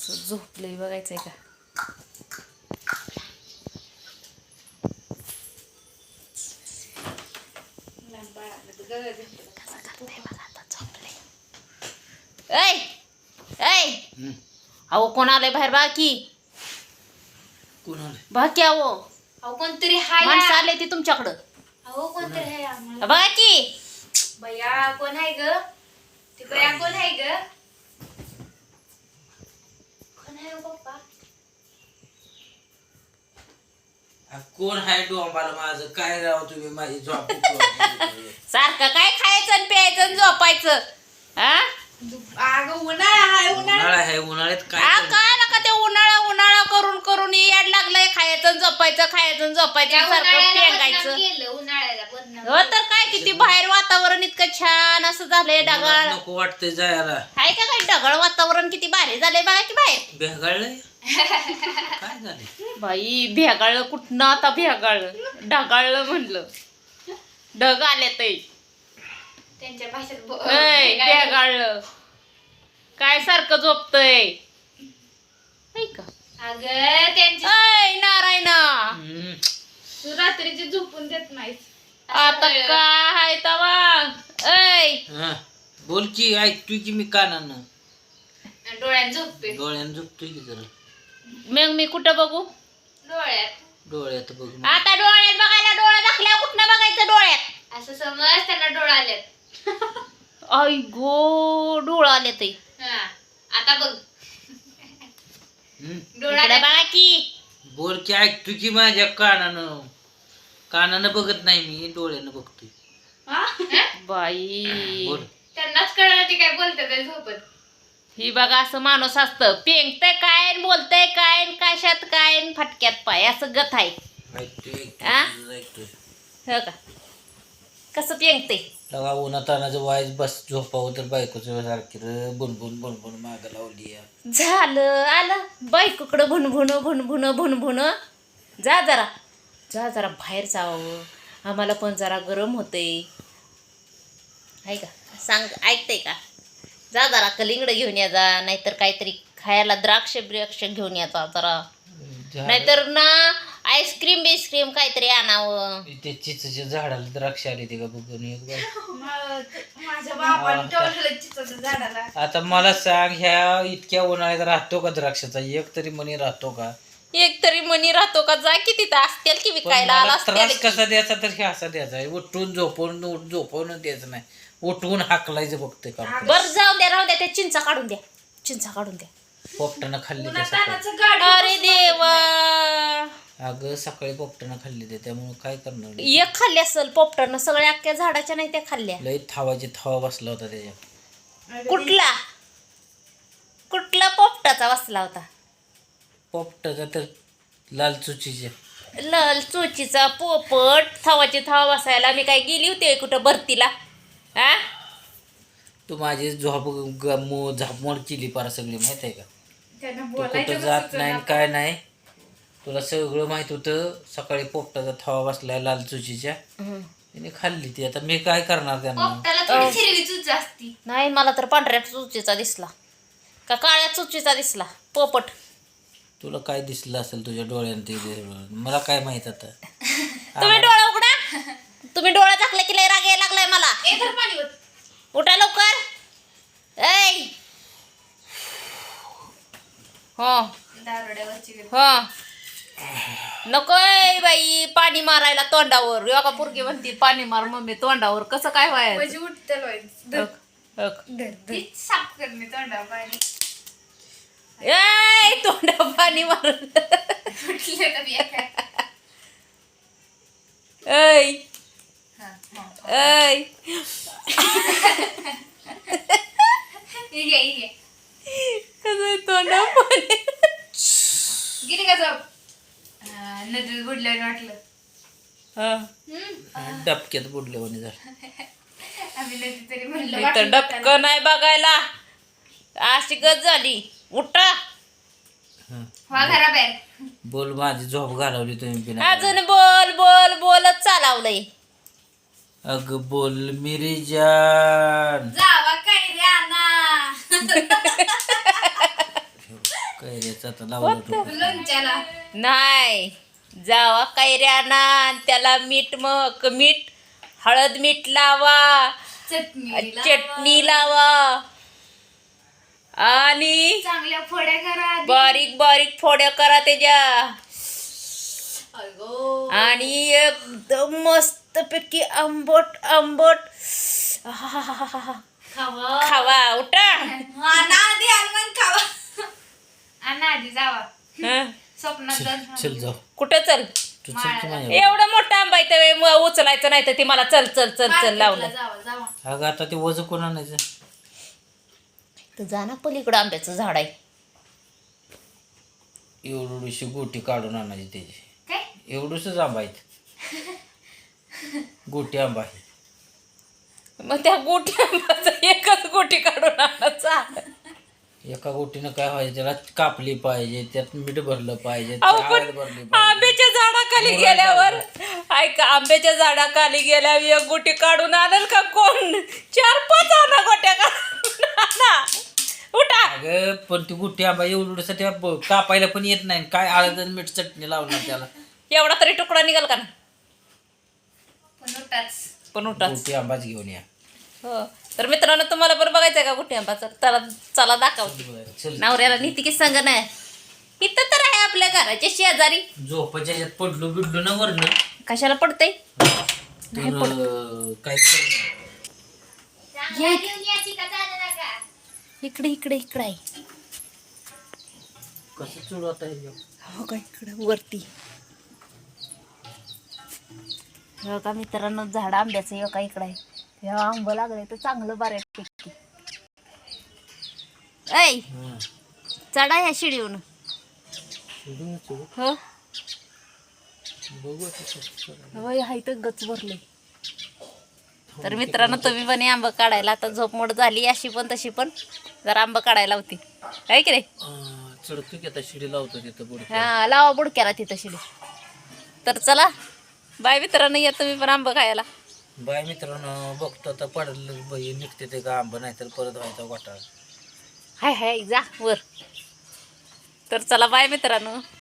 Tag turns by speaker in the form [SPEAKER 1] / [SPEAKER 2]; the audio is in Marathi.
[SPEAKER 1] झोपलंय बघायचंय का? ऐ ऐ अहो कोण आलंय बाहेर बाकी?
[SPEAKER 2] कोण आले?
[SPEAKER 1] बाकी अहो
[SPEAKER 3] अहो कोणतरी हाय
[SPEAKER 1] माणसं आले ती तुमच्याकडं.
[SPEAKER 3] अहो कोणतरी हाय आम्हाला.
[SPEAKER 1] बघा की
[SPEAKER 3] बया कोण आहे ग? ती बया कोण आहे ग? कोण आहे हो पप्पा?
[SPEAKER 2] कोण हाय डोंबाला माझं काय राव तुम्ही माझी झोप
[SPEAKER 1] सारखं काय खायचं आणि प्यायचं आणि झोपायचं हा?
[SPEAKER 3] अगं उन्हाळा हाय
[SPEAKER 2] उन्हाळा आहे उन्हाळ्यात काय
[SPEAKER 1] आ,
[SPEAKER 2] करणार?
[SPEAKER 1] काय नका ते उन्हाळा उन्हाळा करून करून याड लागलंय खायचं आणि झोपायचं खायचं आणि झोपायचं सारखं पेंगायचं.
[SPEAKER 3] केलं उन्हाळ्याला बदनाम.
[SPEAKER 1] हो तर काय किती बाहेर वातावरण इतकं छान असं झालंय
[SPEAKER 2] मला
[SPEAKER 1] ढगाळ.
[SPEAKER 2] नको वाटतंय जायला.
[SPEAKER 1] आहे का काय ढगाळ वातावरण किती भारी झालंय बघा की बाहेर.
[SPEAKER 2] भेगाळलंय काय झाले?
[SPEAKER 1] बाई भेगाळलं कुठनं आता भेगाळलं ढगाळलं म्हणलं ढग आले ते
[SPEAKER 3] त्यांच्या भाषेत
[SPEAKER 1] भेगाळलं काय सारखं झोपतय का?
[SPEAKER 3] अगं त्यांची
[SPEAKER 1] ऐ नारायणा
[SPEAKER 2] हम्म.
[SPEAKER 3] तू रात्रीची झोपून देत नाहीस.
[SPEAKER 1] आता काय हाय तवा ऐ
[SPEAKER 2] हा. बोल की ऐकतोय की मी कानानं
[SPEAKER 3] डोळ्यात झोपते.
[SPEAKER 2] डोळ्यानं झोपतोय की जरा
[SPEAKER 1] मग मी कुठं बघू?
[SPEAKER 3] डोळ्यात
[SPEAKER 2] डोळ्यात बघ
[SPEAKER 1] आता डोळ्यात बघायला डोळा दाखल्या कुठनं बघायचं डोळ्यात?
[SPEAKER 3] असं समज त्यांना डोळा आलेत.
[SPEAKER 1] आई गो डोळा आले ते
[SPEAKER 3] हा आता बघ
[SPEAKER 2] हम्म.
[SPEAKER 3] डोळा
[SPEAKER 1] इकडं बघा की
[SPEAKER 2] बोल की ऐकतोय की माझ्या कानानं कानानं बघत नाही मी डोळ्यानं बघतोय
[SPEAKER 1] बाई
[SPEAKER 2] बोल
[SPEAKER 3] त्यांनाच कळलं ती काय बोलते ते झोपत.
[SPEAKER 1] ही बघा असं माणूस असतं पेंगतय काय न बोलतय काय न कशात काय न फटक्यात पाय असं गत आहे
[SPEAKER 2] ऐकतोय
[SPEAKER 1] आ?
[SPEAKER 2] तुझं ऐकतोय
[SPEAKER 1] हो का? कसं पेंगते
[SPEAKER 2] तेव्हा उन्हातानाचं वायच बस झोपावं तर बायकोचं सारखी बुनबुन बुनबुन माग लावली या.
[SPEAKER 1] झालं आलं बायकोकडं भुनभुन भुनभुन भुनभुन जा जरा बाहेर जावं आम्हाला पण जरा गरम होते आहे का? सांग ऐकते का? जा जरा कलिंगड घेऊन या जा नाहीतर काहीतरी खायला द्राक्ष ब्रक्ष घेऊन या जा जरा नाहीतर ना आईस्क्रीम बिस्क्रीम काहीतरी आणावं.
[SPEAKER 2] ते चिचच्या झाडाला द्राक्ष आली ते का बघून एक बाई.
[SPEAKER 3] माझ्या बाबाने ठेवलेलं चिचच्या झाडाला.
[SPEAKER 2] आता मला सांग ह्या इतक्या उन्हाळ्यात राहतो का द्राक्षाचा एक तरी मणी राहतो का?
[SPEAKER 1] एक तरी मनी राहतो का? जा की तिथं असतील की
[SPEAKER 2] पण
[SPEAKER 1] विकायला आला
[SPEAKER 2] मला त्रास
[SPEAKER 1] असतील
[SPEAKER 2] कसा द्यायचा तर हे असा द्यायचा उठून झोपवून द्यायचं नाही उठवून हाकलायचं बघते का
[SPEAKER 1] बर जाऊ द्या राहू द्या त्या चिंचा काढून द्या
[SPEAKER 2] पोपटानं खाल्ली त्या सकाळी.
[SPEAKER 3] उन्हातानाचं गाडी
[SPEAKER 1] अरे देवा
[SPEAKER 2] अगं सकाळी पोपटानं खाल्ली ते त्यामुळे काय करणार
[SPEAKER 1] एक खाल्ली असेल पोपटानं सगळ्या अख्ख्या झाडाच्या नाही त्या खाल्ल्या.
[SPEAKER 2] लई थावा बसला होता त्याच्या
[SPEAKER 1] कुठला पोपटाचा बसला होता?
[SPEAKER 2] पोपटाचा तर लाल चुचीच्या
[SPEAKER 1] लाल चोचीचा पोपट थावाची थावा बसायला मी काय गेली होती कुठं भरतीला हा?
[SPEAKER 2] तू माझी झापमोड केली पार सगळी माहित आहे का?
[SPEAKER 3] त्यांना
[SPEAKER 2] तू
[SPEAKER 3] बोलायचं
[SPEAKER 2] कुठं जात
[SPEAKER 3] नसतं
[SPEAKER 2] नाही
[SPEAKER 3] ना.
[SPEAKER 2] काय नाही तुला सगळं माहित होतं सकाळी पोपटाचा थावा बसलाय लाल चुचीच्या तिने खाल्ली ती आता मी काय करणार त्यांना
[SPEAKER 3] पोपटाला थोडी हिरवी चूच असती.
[SPEAKER 1] नाही मला तर पांढऱ्या चुचीचा दिसला का काळ्या चुचीचा दिसला पोपट.
[SPEAKER 2] तुला काय दिसलं असेल तुझ्या डोळ्यानं ते मला काय माहित आता
[SPEAKER 1] तुम्ही डोळा उघडा तुम्ही डोळा झाकला की लय राग यायला लागलाय मला.
[SPEAKER 3] ए धर पाणी ओत.
[SPEAKER 1] उठा लवकर ऐ हो
[SPEAKER 3] दारोड्यावरची ग.
[SPEAKER 1] हो नकोय बाई पाणी मारायला तोंडावर योगा पोरगी म्हणते पाणी मार मम्मी तोंडावर कसं काय व्हायचं?
[SPEAKER 3] म्हणजे उठते
[SPEAKER 1] हक, हक.
[SPEAKER 3] तीच साफ करणे तोंडा पाणी
[SPEAKER 1] ऐ तोंडा पाणी मार
[SPEAKER 3] उठले तर मी एका.
[SPEAKER 1] ऐ
[SPEAKER 3] हा, हा.
[SPEAKER 1] ऐ
[SPEAKER 3] ही घे, ही घे.
[SPEAKER 1] कसं तोंडा पाणी
[SPEAKER 3] गेली का झोप? हा, नदीत बुडल्याने वाटलं.
[SPEAKER 1] हा.
[SPEAKER 2] डबक्यात बुडले म्हणे जर
[SPEAKER 3] आम्ही नदी तरी म्हणलं
[SPEAKER 1] इथं
[SPEAKER 3] वाटलं
[SPEAKER 1] डबकं नाही बघायला अशी गत झाली उठा
[SPEAKER 3] वा घराबाहेर.
[SPEAKER 2] बोल माझी झोप घालवली तुम्ही बिना
[SPEAKER 1] अजून बोल बोल बोलत चालवलंय.
[SPEAKER 2] अग बोल मेरी जान
[SPEAKER 3] जावा काय रे आणा.
[SPEAKER 2] कैऱ्याचं आता लावलं तो.
[SPEAKER 3] लोणच्याला
[SPEAKER 1] नाही, जावा कैऱ्याना त्याला मीठ हळद मीठ लावा, चटणी लावा आणि
[SPEAKER 3] चांगल्या फोड्या करा आधी.
[SPEAKER 1] बारीक बारीक फोड्या करा त्याच्या
[SPEAKER 3] अगो
[SPEAKER 1] आणि एकदम मस्त पैकी आंबट आंबट आहाहाहाहा.
[SPEAKER 3] खावा
[SPEAKER 1] खावा उठा.
[SPEAKER 3] आधी आलमन खावा आणि आधी जावा
[SPEAKER 1] हं.
[SPEAKER 3] स्वप्नात जाऊन
[SPEAKER 2] चल जाऊ
[SPEAKER 1] कुठं चल?
[SPEAKER 2] तू चल की माझ्या.
[SPEAKER 1] एवढा मोठा आंबा आहे तर उचलायचं नाही तर ती मला चल चल चल चल
[SPEAKER 3] मार्केटला
[SPEAKER 1] लावलं.
[SPEAKER 3] जावा
[SPEAKER 2] अगं आता ते वजन कोण आणायचं?
[SPEAKER 1] तर जा ना पलीकडं आंब्याचं झाड आहे.
[SPEAKER 2] एवढीशी गोटी काढून आणायची त्याची.
[SPEAKER 3] काय
[SPEAKER 2] एवढूसच आंबा आहेत. गोटी आंबा आहे.
[SPEAKER 1] मग त्या गोटी आंब्याचा एकच गोटी काढून आणायचा.
[SPEAKER 2] एका गोटीनं काय व्हायचं, त्याला कापली पाहिजे, त्यात मीठ भरलं पाहिजे,
[SPEAKER 1] अहो,
[SPEAKER 2] त्यात
[SPEAKER 1] पण
[SPEAKER 2] हळद भरली पाहिजे.
[SPEAKER 1] आंब्याच्या झाडाखाली गेल्यावर ऐका, आंब्याच्या झाडाखाली गेल्यावर एक गोटी काढून आणल का कोण? 4-5 आणा गोट्या काढून आणा. उठा.
[SPEAKER 2] अगं पण ती गोटी आंबा एवढूसाठी कापायला पण येत नाही. काय हळद आणि मीठ चटणी लावणार त्याला?
[SPEAKER 1] एवढा तरी तुकडा निघाल का ना? पण उठाच.
[SPEAKER 2] गोटी आंबाच घेऊन या.
[SPEAKER 1] हो, तर मित्रांनो तुम्हाला पण बघायचं आहे का गोटी आंबाचं? चला दाखवते.
[SPEAKER 2] चल
[SPEAKER 1] नवऱ्याला नीती की सांग नाही. इथं तर आहे आपल्या घराच्या शेजारी.
[SPEAKER 2] झोपाच्या ह्याच्यात पडलो बिडलो ना वरनं
[SPEAKER 1] कशाला पडतंय?
[SPEAKER 2] तर काय करणार?
[SPEAKER 1] इकडे इकडे इकडे आहे.
[SPEAKER 2] कसं चढवता येईल?
[SPEAKER 1] हो का, इकडे वरती. हो का मित्रांनो, झाड आंब्याचं हो का इकडे आहे. हे आंब लागले तर चांगलं बऱ्यापैकी. ऐ
[SPEAKER 2] हं.
[SPEAKER 1] चढा ह्या शिडीवून. हो
[SPEAKER 2] बघू आता कसं करायचं.
[SPEAKER 1] होय, हाय तर गच भरले. तर मित्रांनो तुम्ही पण हे आंब काढायला, आता झोपमोड झाली अशी पण तशी पण जरा आंब काढायला होती आहे की नाही?
[SPEAKER 2] चढतो की आता शिडी लावतो तिथं पुढे.
[SPEAKER 1] हा, लावा बुडक्याला तिथं शिडी. तर चला बाय मित्रांनो, या तुम्ही पण आंब खायला.
[SPEAKER 2] बाय मित्रांनो, बघतो आता पडलं बाई निघते ते का आंबा, नाही तर परत व्हायचा घोटाळा.
[SPEAKER 1] हाय हाय जा वर. तर चला बाय मित्रांनो.